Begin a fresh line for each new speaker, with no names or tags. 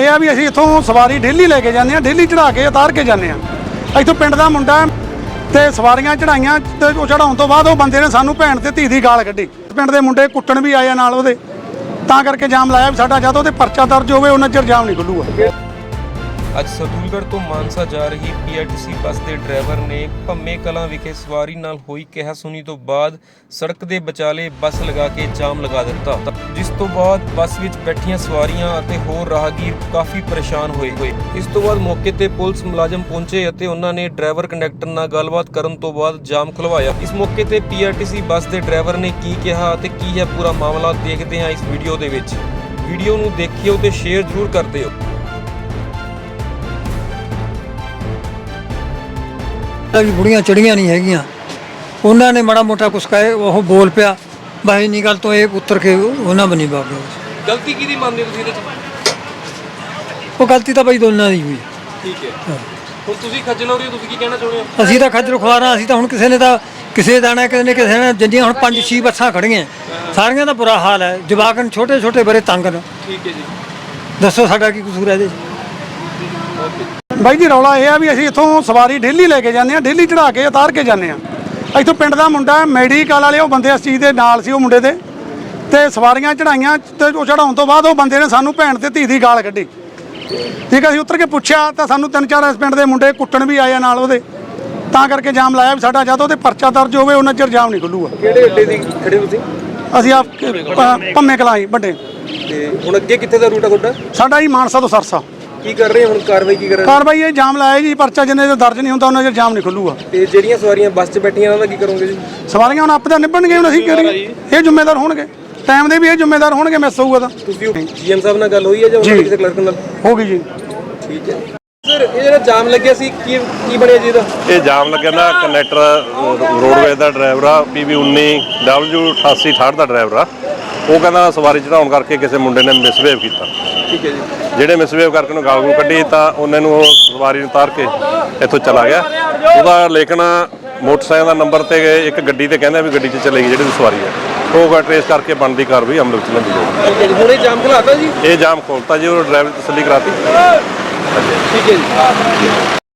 ਇਹ ਆ ਵੀ ਅਸੀਂ ਇੱਥੋਂ ਸਵਾਰੀ ਡੇਲੀ ਲੈ ਕੇ ਜਾਂਦੇ ਆ, ਡੇਲੀ ਚੜਾ ਕੇ ਉਤਾਰ ਕੇ ਜਾਂਦੇ ਆ। ਇੱਥੋਂ ਪਿੰਡ ਦਾ ਮੁੰਡਾ ਤੇ ਸਵਾਰੀਆਂ ਚੜਾਈਆਂ ਤੇ ਉਹ ਚੜਾਉਣ ਤੋਂ ਬਾਅਦ ਉਹ ਬੰਦੇ ਨੇ ਸਾਨੂੰ ਭੈਣ ਤੇ ਧੀ ਦੀ ਗਾਲ ਕੱਢੀ। ਪਿੰਡ ਦੇ ਮੁੰਡੇ ਕੁੱਟਣ ਵੀ ਆਏ ਨਾਲ ਉਹਦੇ, ਤਾਂ ਕਰਕੇ ਜਾਮ ਲਾਇਆ ਵੀ ਸਾਡਾ ਜਦ ਉਹਦੇ ਪਰਚਾ ਦਰਜ ਹੋਵੇ ਉਹਨਾਂ ਚਿਰ ਜਾਮ ਨਹੀਂ ਖੁੱਲੂਗਾ।
ਅੱਜ ਸਰਦੂਲਗੜ੍ਹ ਤੋਂ ਮਾਨਸਾ ਜਾ ਰਹੀ ਪੀਆਰਟੀਸੀ ਬੱਸ ਦੇ ਡਰਾਈਵਰ ਨੇ ਭੰਮੇ ਕਲਾਂ ਵਿਖੇ ਸਵਾਰੀ ਨਾਲ ਹੋਈ ਕਿਹਾ-ਸੁਣੀ ਤੋਂ ਬਾਅਦ ਸੜਕ ਦੇ ਵਿਚਾਲੇ ਬੱਸ ਲਗਾ ਕੇ ਜਾਮ ਲਗਾ ਦਿੱਤਾ, ਜਿਸ ਤੋਂ ਬਾਅਦ ਬੱਸ ਵਿੱਚ ਬੈਠੀਆਂ ਸਵਾਰੀਆਂ ਅਤੇ ਹੋਰ ਰਾਹਗੀਰ ਕਾਫੀ ਪਰੇਸ਼ਾਨ ਹੋਏ। ਇਸ ਤੋਂ ਬਾਅਦ ਮੌਕੇ ਤੇ ਪੁਲਿਸ ਮੁਲਾਜ਼ਮ ਪਹੁੰਚੇ ਅਤੇ ਉਹਨਾਂ ਨੇ ਡਰਾਈਵਰ ਕੰਡਕਟਰ ਨਾਲ ਗੱਲਬਾਤ ਕਰਨ ਤੋਂ ਬਾਅਦ ਜਾਮ ਖੁਲਵਾਇਆ। ਇਸ ਮੌਕੇ ਤੇ ਪੀਆਰਟੀਸੀ ਬੱਸ ਦੇ ਡਰਾਈਵਰ ਨੇ ਕੀ ਕਿਹਾ ਅਤੇ ਕੀ ਹੈ ਪੂਰਾ ਮਾਮਲਾ ਦੇਖਦੇ ਹਾਂ ਇਸ ਵੀਡੀਓ ਦੇ ਵਿੱਚ। ਵੀਡੀਓ ਨੂੰ ਦੇਖਿਓ ਤੇ ਸ਼ੇਅਰ ਜ਼ਰੂਰ ਕਰ ਦਿਓ।
बुढ़िया चढ़िया नहीं हैगियां, उन्होंने माड़ा मोटा कुछ कहे वो बोल पिया भाई नहीं गल तो एक उतर के उन्हें बनी बाग
गलती की मानते हो
वो गलती तो भाई दोनों की हुई।
ठीक है ਹੁਣ ਤੁਸੀਂ ਖੱਜਲ ਹੋ ਰਹੇ ਹੋ, ਤੁਸੀਂ ਕੀ ਕਹਿਣਾ ਚਾਹੁੰਦੇ ਹੋ?
ਅਸੀਂ ਤਾਂ ਖੱਜਲ ਖੁਆਰਾਂ, ਅਸੀਂ ਤਾਂ ਹੁਣ ਕਿਸੇ ਨੇ ਤਾਂ ਕਿਸੇ ਦਾਣਾ ਕਿਸੇ ਨੇ ਜਿੰਨੀਆਂ ਹੁਣ 5-6 ਬੱਸਾਂ ਖੜੀਆਂ ਸਾਰੀਆਂ ਦਾ ਬੁਰਾ ਹਾਲ ਹੈ। ਜਵਾਕ ਛੋਟੇ ਛੋਟੇ ਬੜੇ ਤੰਗ ਨੇ।
ਠੀਕ ਹੈ ਜੀ,
ਦੱਸੋ ਸਾਡਾ ਕੀ ਕਸੂਰ ਹੈ ਇਹਦੇ?
ਬਾਈ ਜੀ ਰੌਲਾ ਇਹ ਆ ਵੀ ਅਸੀਂ ਇੱਥੋਂ ਸਵਾਰੀ ਡੇਲੀ ਲੈ ਕੇ ਜਾਂਦੇ ਆ, ਡੇਲੀ ਚੜਾ ਕੇ ਉਤਾਰ ਕੇ ਜਾਂਦੇ ਆ। ਇੱਥੋਂ ਪਿੰਡ ਦਾ ਮੁੰਡਾ ਮੈਡੀਕਲ ਵਾਲੇ ਉਹ ਬੰਦੇ ਇਸ ਚੀਜ਼ ਦੇ ਨਾਲ ਸੀ, ਉਹ ਮੁੰਡੇ ਤੇ ਸਵਾਰੀਆਂ ਚੜਾਈਆਂ ਤੇ ਉਹ ਚੜਾਉਣ ਤੋਂ ਬਾਅਦ ਉਹ ਬੰਦੇ ਨੇ ਸਾਨੂੰ ਭੈਣ ਤੇ ਧੀ ਦੀ ਗਾਲ ਕੱਢੀ। ਠੀਕ ਹੈ, ਅਸੀਂ ਉਤਰ ਕੇ ਪੁੱਛਿਆ ਤਾਂ ਸਾਨੂੰ 3-4 ਇਸ ਪਿੰਡ ਦੇ ਮੁੰਡੇ ਕੁੱਟਣ ਵੀ ਆਏ ਨਾਲ ਉਹਦੇ, ਤਾਂ ਕਰਕੇ ਜਾਮ ਲਾਇਆ ਵੀ ਸਾਡਾ ਜਦ ਉਹਦੇ ਪਰਚਾ ਦਰਜ ਹੋਵੇ ਉਹਨਾਂ ਚਿਰ ਜਾਮ ਨਹੀਂ ਖੁੱਲੂਗਾ।
ਕਿਹੜੇ ਅੱਡੇ ਦੀ ਖੜੇ ਤੁਸੀਂ?
ਅਸੀਂ ਆਪ ਭੰਮੇ ਕਲਾਂ ਹੀ ਵੱਡੇ।
ਤੇ ਹੁਣ ਅੱਗੇ ਕਿੱਥੇ ਦਾ ਰੂਟ ਆ ਤੁਹਾਡਾ?
ਸਾਡਾ ਹੀ ਮਾਨਸਾ ਤੋਂ ਸਰਸਾ।
ਕੀ ਕਰ ਰਹੇ ਹੁਣ ਕਾਰਵਾਈ ਕੀ ਕਰ ਰਹੇ?
ਕਾਰਵਾਈ ਇਹ ਜਾਮ ਲਾਇਆ ਜੀ, ਪਰਚਾ ਜਿੰਨੇ ਚਿਰ ਦਰਜ ਨਹੀਂ ਹੁੰਦਾ ਉਹਨਾਂ ਚਿਰ ਜਾਮ ਨਹੀਂ ਖੁੱਲੂਗਾ।
ਤੇ ਜਿਹੜੀਆਂ ਸਵਾਰੀਆਂ ਬੱਸ 'ਚ ਬੈਠੀਆਂ ਉਹਨਾਂ ਦਾ ਕੀ ਕਰੋਗੇ ਜੀ?
ਸਵਾਰੀਆਂ ਹੁਣ ਆਪੇ ਤਾਂ ਨਿਭਣਗੇ, ਹੁਣ ਅਸੀਂ ਕਰੀਏ, ਇਹ ਜ਼ਿੰਮੇਦਾਰ ਹੋਣਗੇ, ਟਾਈਮ ਦੇ ਵੀ ਇਹ ਜ਼ਿੰਮੇਦਾਰ ਹੋਣਗੇ। ਮਿਸ ਹੋਊਗਾ ਤਾਂ
ਤੁਸੀਂ ਜੀਐਮ ਸਾਹਿਬ ਨਾਲ ਗੱਲ ਹੋਈ ਹੈ ਜਾਂ ਉਹਨਾਂ ਕਿਸੇ ਕਲਰਕ ਨਾਲ?
ਹੋ ਗਈ ਜੀ।
ਠੀਕ ਹੈ ਸਰ, ਇਹ ਜਿਹੜਾ ਜਾਮ ਲੱਗਿਆ ਸੀ ਕੀ ਬਣਿਆ ਜੀ ਇਹਦਾ?
ਇਹ ਜਾਮ ਲੱਗਿਆ ਨਾ, ਕੰਡਕਟਰ ਰੋਡਵੇਜ਼ ਦਾ ਡਰਾਈਵਰ ਆ, PB19W8868 ਦਾ ਡਰਾਈਵਰ ਆ। ਉਹ ਕਹਿੰਦਾ ਸਵਾਰੀ ਚੜਾਉਣ ਕਰਕੇ ਕਿਸੇ ਮੁੰਡੇ ਨੇ ਮਿਸਬਿਹੇਵ ਕੀਤਾ।
ਠੀਕ ਹੈ ਜੀ।
ਜਿਹੜੇ ਮਿਸਬਿਹੇਵ ਕਰਕੇ ਉਹਨੂੰ ਗਾਲ ਗੂਲ ਕੱਢੀ ਤਾਂ ਉਹਨੇ ਨੂੰ ਉਹ ਸਵਾਰੀ ਨੂੰ ਉਤਾਰ ਕੇ ਇੱਥੋਂ ਚਲਾ ਗਿਆ। ਉਹਦਾ ਲੇਕਿਨ ਮੋਟਰਸਾਈਕਲ ਦਾ ਨੰਬਰ ਤੇ ਇੱਕ ਗੱਡੀ ਤੇ ਕਹਿੰਦਾ ਵੀ ਗੱਡੀ 'ਚ ਚਲੇ ਗਈ ਜਿਹੜੀ ਸਵਾਰੀ ਹੈ, ਉਹ ਟਰੇਸ ਕਰਕੇ ਬਣਦੀ ਕਾਰਵਾਈ ਅਮਲ ਵਿੱਚ ਲੈਂਦੀ ਜਾਊਗੀ।
ਹੁਣ ਇਹ ਜਾਮ ਖੁਲਾਤਾ ਜੀ?
ਇਹ ਜਾਮ ਖੋਲਤਾ ਜੀ, ਉਹ ਡਰਾਈਵਰ ਦੀ ਤਸੱਲੀ ਕਰਾਤੀ।
ਠੀਕ ਹੈ ਜੀ।